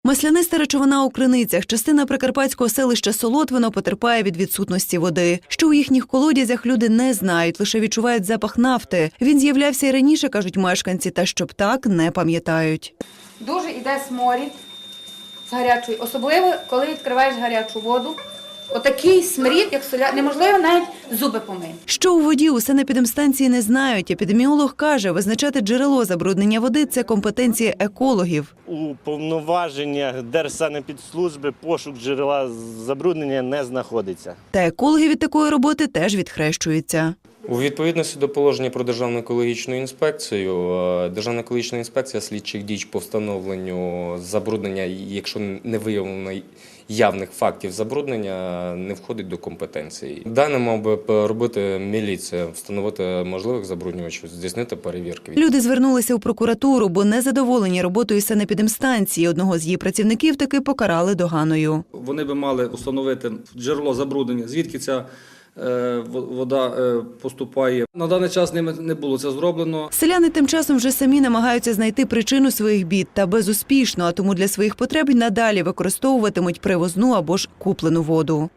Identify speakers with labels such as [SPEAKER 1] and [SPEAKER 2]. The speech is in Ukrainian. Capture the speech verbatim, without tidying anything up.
[SPEAKER 1] Масляниста речовина у криницях. Частина прикарпатського селища Солотвино потерпає від відсутності води. Що у їхніх колодязях люди не знають, лише відчувають запах нафти. Він з'являвся і раніше, кажуть мешканці, та щоб так не пам'ятають.
[SPEAKER 2] Дуже йде сморід з гарячої, особливо коли відкриваєш гарячу воду. Отакий сморід, як соля, неможливо навіть зуби помити.
[SPEAKER 1] Що у воді у санепідемстанції не знають. Епідеміолог каже, визначати джерело забруднення води – це компетенція екологів.
[SPEAKER 3] У повноваженнях Держсанепідслужби пошук джерела забруднення не знаходиться.
[SPEAKER 1] Та екологи від такої роботи теж відхрещуються.
[SPEAKER 4] У відповідності до положення про Державну екологічну інспекцію, Державна екологічна інспекція слідчих дій по встановленню забруднення, якщо не виявлено явних фактів забруднення, не входить до компетенції. Дане мав би робити міліція, встановити можливих забруднювачів, здійснити перевірки.
[SPEAKER 1] Люди звернулися у прокуратуру, бо незадоволені роботою санепідемстанції. Одного з її працівників таки покарали доганою.
[SPEAKER 5] Вони би мали встановити джерело забруднення, звідки ця вода поступає. На даний час ними не було це зроблено.
[SPEAKER 1] Селяни тим часом вже самі намагаються знайти причину своїх бід, та безуспішно, а тому для своїх потреб надалі використовуватимуть привозну або ж куплену воду.